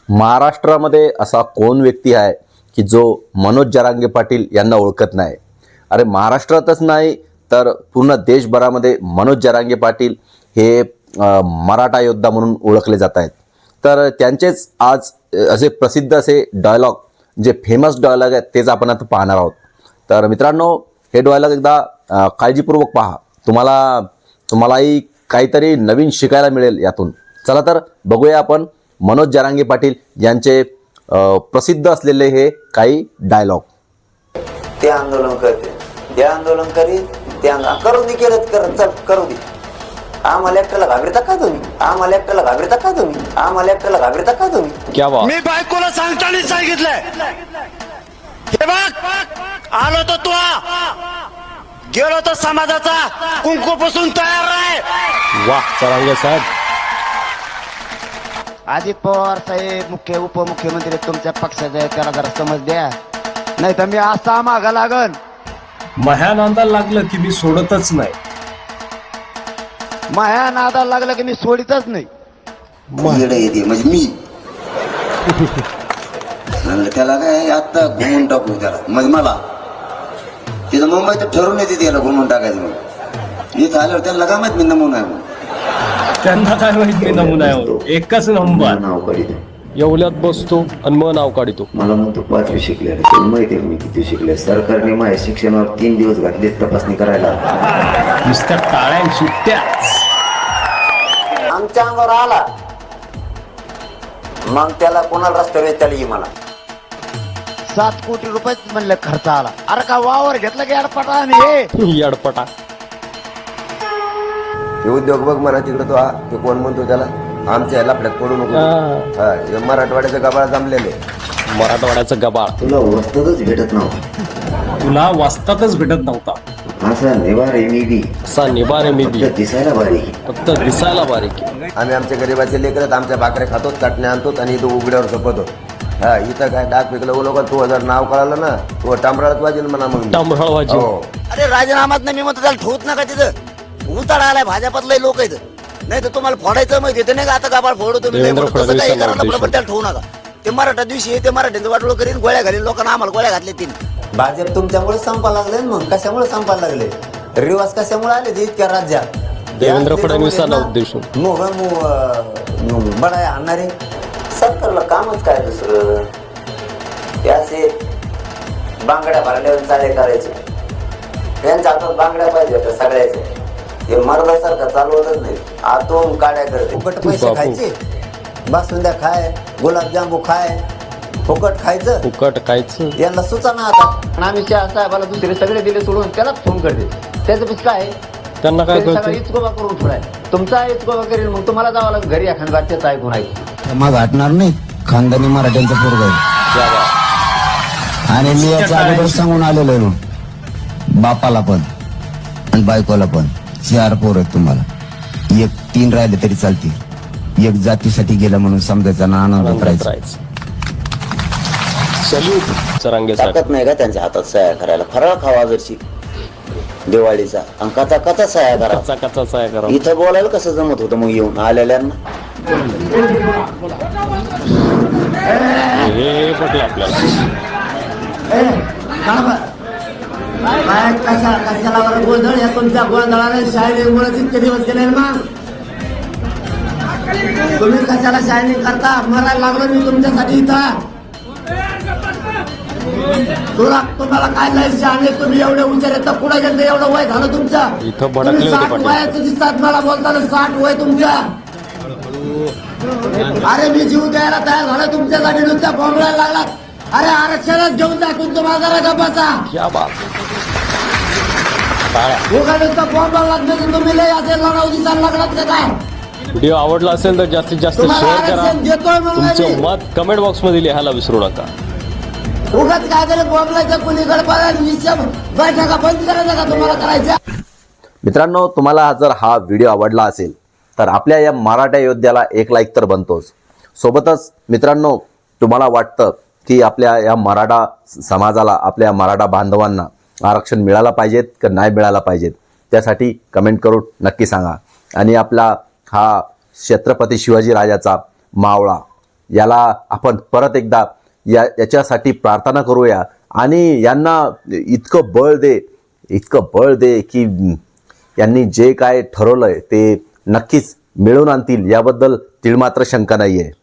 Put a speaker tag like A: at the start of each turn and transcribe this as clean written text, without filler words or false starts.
A: महाराष्ट्रामध्ये असा कोण व्यक्ती आहे की जो मनोज जरांगे पाटील यांना ओळखत नाही? अरे महाराष्ट्रातच नाही तर पूर्ण देशभरामध्ये मनोज जरांगे पाटील हे मराठा योद्धा म्हणून ओळखले जात आहेत. तर त्यांचेच आज असे प्रसिद्ध असे डायलॉग, जे फेमस डायलॉग आहेत तेच आपण आता पाहणार आहोत. तर मित्रांनो, हे डायलॉग एकदा काळजीपूर्वक पहा. तुम्हालाही काहीतरी नवीन शिकायला मिळेल यातून. चला तर बघूया आपण मनोज जरांगे पाटील यांचे प्रसिद्ध असलेले हे काही डायलॉग.
B: ते आंदोलन करते, ते आंदोलन करीत, ते करू दे, केलं करत चल करू दे. आम्हाला एकट्याला घाबरता का तुम्ही? आम्हाला एकट्याला घाबरता का तुम्ही? आम्हाला एकट्याला घाबरता का तुम्ही?
A: क्या बात.
C: मी बायकोला सांगताना सांगितलंय, हे बघ आलो तो तू गेलो तो समाजाचा कुंकूपासून तयार आहे.
A: वाह जरांगे साहेब.
D: अजित पवार साहेब मुख्य उपमुख्यमंत्री तुमच्या पक्षाचे, त्याला जरा समज द्या, नाही तर मी असा मागा लागन.
E: माह्या नांदाला लागलं की मी सोडतच नाही.
D: माया नादाला लागलं की मी सोडितच नाही.
B: येडं येते म्हणजे मी म्हणलं त्याला काय आता घुमून टाकू त्याला, म्हणजे मला तिथं मुंबईत ठरवून येते त्याला घुमून टाकायचं. म्हणून इथं आल्यावर त्याला काय माहित मी नमुना आहे म्हणून.
E: त्यांना काय माहित मी नमुना आहे, एकच नंबर.
B: नाव काढितो,
E: एवढ्यात बसतो आणि मग नाव काढितो.
B: मला म्हणतो 5वी शिकले, तुला माहिती आहे मी किती शिकले. सरकारने माझ्या शिक्षणावर 3 दिवस घातले तपासणी करायला.
E: नुसत्या टाळ्या सुट्ट्या.
B: आमच्या अंगावर आला मग त्याला कोणाला रस्त्यावर त्याला ये मला
D: 7 कोटी रुपये म्हणलं खर्च आला. अरे का वावर घेतलं की अडपटा आणि
E: यडपटा.
F: हे उद्योग बघ म्हणा तिकडे तो ते कोण म्हणतो त्याला आमच्या लफड्यात पडू नको. मराठवाड्याच्या गबाळा जमलेले.
E: मराठवाड्याचं गबाळ.
B: तुला वस्तूच भेटत नव्हता,
E: तुला वाचतातच भेटत नव्हता.
B: असा निवार आहे मी बी,
E: असा निबारे मी बी,
B: दिसायला बारीक,
E: फक्त दिसायला बारीक.
F: आम्ही आमच्या गरीबाचे लेकरत आमच्या भाकऱ्या खातो, चटण्या आणतो आणि इथं उघड्यावर झोपतो. हा इथं काय डाक पिकलं उलो का तू जर नाव कळालं ना तू टांबराळात वाजेल म्हणा. मग
E: टांबराळ वाजेल.
F: हो.
D: अरे राजीनामात नाही मी म्हणतो त्याला ठेवत नका तिथं. उतार आलाय भाजपातले लोक आहेत, नाही तर तुम्हाला फोडायचं माहिती येते नाही का. आता गाबाळ फोडू तुम्ही, नाही म्हणून तसं काही करा ना, पण त्याला ठेवू नका. ते मराठा दिवशी ते मराठ्यांचं वाटोळ करीन, गोळ्या घालीन लोकांना. आम्हाला गोळ्या घातले 3.
B: भाजप तुमच्यामुळे संपा लागले. मग कशामुळे संपा लागले? रिवाज कशामुळे आले ते इतक्या राज्यात?
E: देवेंद्र फडणवीसांना उद्देशून
B: बडाय आणणारे सरकारला कामच काय दुसरं? ते असे बांगड्या भरल्यावर चाले करायचे. त्यांच्या हातात बांगड्या पाहिजे होत्या सगळ्याचे. हे मर्दासारखं चालवतच नाही. आतून काड्या करते. फुकट पैसे खायचे, बासुंद्या खाय, गुलाबजांबू खाय, फुकट खायचं,
E: फुकट खायचं.
B: यांना सुचना आता.
D: आणि आम्ही साहेबाला दुसरे सगळे दिले सोडून त्यालाच फोन करते. त्याचं पिस काय
E: त्यांना काय कळतं?
D: इचकोबा करून ठेवलाय. तुमचा इचकोबा करेल मग तुम्हाला जावं लागेल घरी एखाद्या बातच्याच ऐकून ऐकून.
G: मग हटणार नाही. खानदानी मराठ्यांचं पोरग आहे आणि मी याच्या अगोदर सांगून आलेलो आहे बापाला पण आणि बायकोला पण. 4 पोर आहेत तुम्हाला. 3 राहिले तरी चालतील. एक जातीसाठी गेला म्हणून समजायचा ना आनंद करायचा.
E: जरांगे साहेब.
B: ताकद नाही का त्यांच्या हातात सह्या करायला? फराळ खावा जरशी दिवाळीचा आणि कथा सह्या करा.
E: कचा साया करा.
B: इथं बोलायला कसं जमत होतं मग येऊन आलेल्यांना?
E: हे पटलं आपल्याला.
D: कशाला गोंधळ या तुमच्या गोंधळाने शायनिंगमुळे इतके दिवस गेले ना. तुम्ही कशाला शायनिंग करता? मरायला लागलो मी तुमच्यासाठी इथं. तुम्हाला काय नाही शायनिंग, तुम्ही एवढे उंचार येतात पुढे गेले. एवढं वय झालं तुमचं.
E: इथं भडकले होते
D: 60 वयाचं दिसतात मला बोलताना. 60 वय तुमचं. अरे मी जीव द्यायला तयार झालं तुमच्यासाठी. नुसत्या बोंबलायला लागला. अरे आरक्षणच घेऊन दाखवून तुम्हाला जरा गप्पाचा.
E: क्या बात.
D: नुसतं बोंबाला लागलं तुम्ही लय असेल लढाऊ दिसायला लागलात का काय?
E: व्हिडिओ आवडला असेल तर जास्तीत जास्त शेअर करा. तुमचं मत कमेंट बॉक्स मध्ये लिहायला विसरू नका.
D: उगाच काय तरी बोंबलायचं कुणीकडे बैठका बंद करायचं का तुम्हाला करायच्या?
A: मित्रांनो, तुम्हाला जर हा व्हिडिओ आवडला असेल तर आपल्या या मराठा योद्ध्याला एक लाईक तर बनतोच. सोबतच मित्रांनो, तुम्हाला वाटतं की आपल्या या मराठा समाजाला, आपल्या मराठा बांधवांना आरक्षण मिळालं पाहिजेत का नाही मिळालं पाहिजेत, त्यासाठी कमेंट करून नक्की सांगा. आणि आपला हा छत्रपती शिवाजी राजाचा मावळा याला आपण परत एकदा याच्यासाठी प्रार्थना करूया आणि यांना इतकं बळ दे की यांनी जे काय ठरवलंय ते नक्कीच मिळवून आणतील, याबद्दल तिळमात्र शंका नाहीये.